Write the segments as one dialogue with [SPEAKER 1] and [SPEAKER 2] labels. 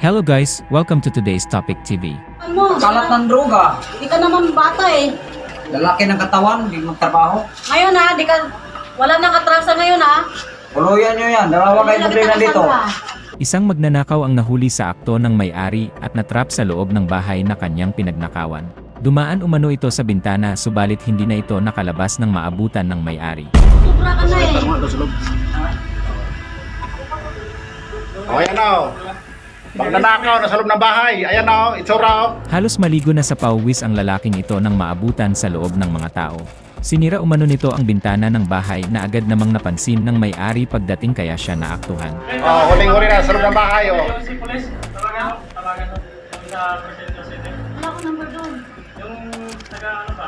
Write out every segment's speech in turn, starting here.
[SPEAKER 1] Hello guys, welcome to today's Topic TV.
[SPEAKER 2] Ano?
[SPEAKER 3] Kalat ng droga.
[SPEAKER 2] Di ka naman bata eh.
[SPEAKER 3] Lalaki ng katawan, hindi magtrabaho.
[SPEAKER 2] Ngayon ha, wala nang atrasa ngayon ha.
[SPEAKER 3] Puluyan nyo yan, dalawa kayo problema dito.
[SPEAKER 1] Isang magnanakaw ang nahuli sa akto ng may-ari at natrap sa loob ng bahay na kanyang pinagnakawan. Dumaan umano ito sa bintana subalit hindi na ito nakalabas ng maabutan ng may-ari.
[SPEAKER 2] Sobra ka na eh.
[SPEAKER 4] O, ayan o. Magnanakaw, nasa loob ng bahay. Ayan o, itsura o.
[SPEAKER 1] Halos maligo na sa pauwis ang lalaking ito nang maabutan sa loob ng mga tao. Sinira umano nito ang bintana ng bahay na agad namang napansin ng may-ari pagdating kaya siya naaktuhan.
[SPEAKER 4] O, huling-huli na sa loob ng bahay o.
[SPEAKER 5] Si Pulis, tawagan yung sa Presidente City.
[SPEAKER 2] Wala ko number doon.
[SPEAKER 5] Yung taga ano pa?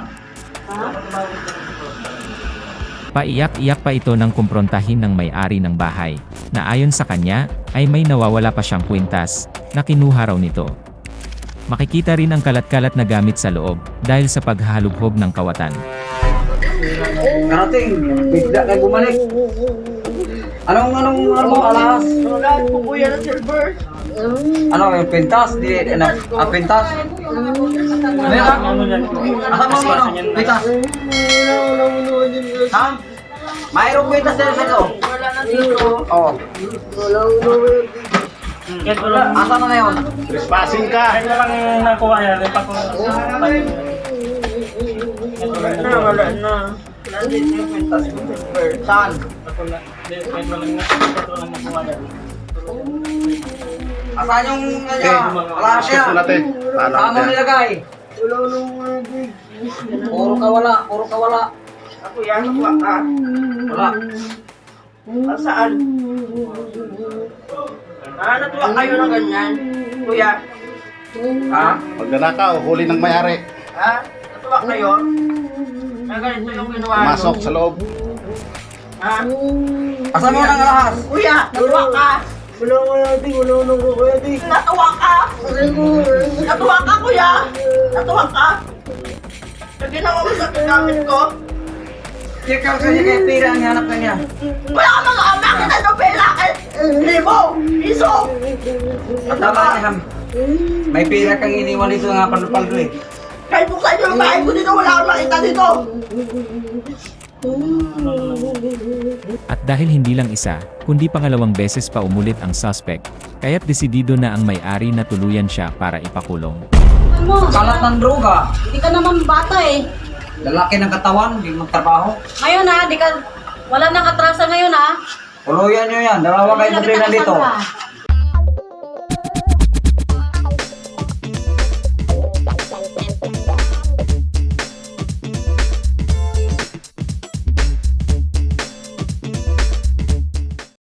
[SPEAKER 1] Paiyak-iyak pa ito nang kumprontahin ng may-ari ng bahay, na ayon sa kanya, ay may nawawala pa siyang kwintas, na kinuha raw nito. Makikita rin ang kalat-kalat na gamit sa loob, dahil sa paghahalubhob ng kawatan.
[SPEAKER 3] Karating, bigla kayo bumalik. Anong alas?
[SPEAKER 2] Wala po kuya ng silver.
[SPEAKER 3] Ano, yung pintas? Pintas? Meron? Asa mo ano? Pintas? Ha? Mayroong pintas din sa ito?
[SPEAKER 2] Wala na dito.
[SPEAKER 3] Oo.
[SPEAKER 5] Yes, wala.
[SPEAKER 3] Asa na yun?
[SPEAKER 4] Trespassing ka.
[SPEAKER 5] Kahit na lang nakuha yan, rin pa kung
[SPEAKER 2] Wala na. Nandito yung pintas ng silver.
[SPEAKER 3] Saan?
[SPEAKER 5] kahit walang nakuha yan.
[SPEAKER 3] Asan yung wala
[SPEAKER 4] Shit
[SPEAKER 3] siya?
[SPEAKER 4] mo natin.
[SPEAKER 3] Saan mo nilagay?
[SPEAKER 2] Wala nang
[SPEAKER 3] Puro kawala.
[SPEAKER 2] Ako yan, wala.
[SPEAKER 3] Wala.
[SPEAKER 2] Saan? Natuwa kayo na ganyan, kuya.
[SPEAKER 3] Ha?
[SPEAKER 4] Magnanakaw, huli ng may-ari.
[SPEAKER 2] Ha? Natuwa kayo? Na ganito yung ginawa nyo?
[SPEAKER 4] Masok sa loob.
[SPEAKER 2] Ha?
[SPEAKER 3] Asan mo nang alahas?
[SPEAKER 2] Kuya, natuwa ka? Wala nang kuya di. Natuwa ka? Natuwa ka, kuya? Natuwa ka? Sa ginawa mo sa gamit ko?
[SPEAKER 3] Check out kanya kay pira ang hanap kanya.
[SPEAKER 2] Wala ka mga amak na ito pera! Libo! Piso!
[SPEAKER 3] At tama niya ham. May pira kang iniwan dito nga paldo eh.
[SPEAKER 2] Kahit buksan nyo yung bahay ko dito, wala akong makita dito!
[SPEAKER 1] At dahil hindi lang isa, kundi pangalawang beses pa umulit ang suspect, kaya't desidido na ang may-ari na tuluyan siya para ipakulong.
[SPEAKER 2] Ano?
[SPEAKER 3] Kalat ng droga.
[SPEAKER 2] Hindi ka naman bata eh.
[SPEAKER 3] Lalaki ng katawan, hindi magtrabaho.
[SPEAKER 2] Ngayon ha, wala nang atrasa ngayon ha.
[SPEAKER 3] Puluyan nyo yan, dalawa kayo problema dito.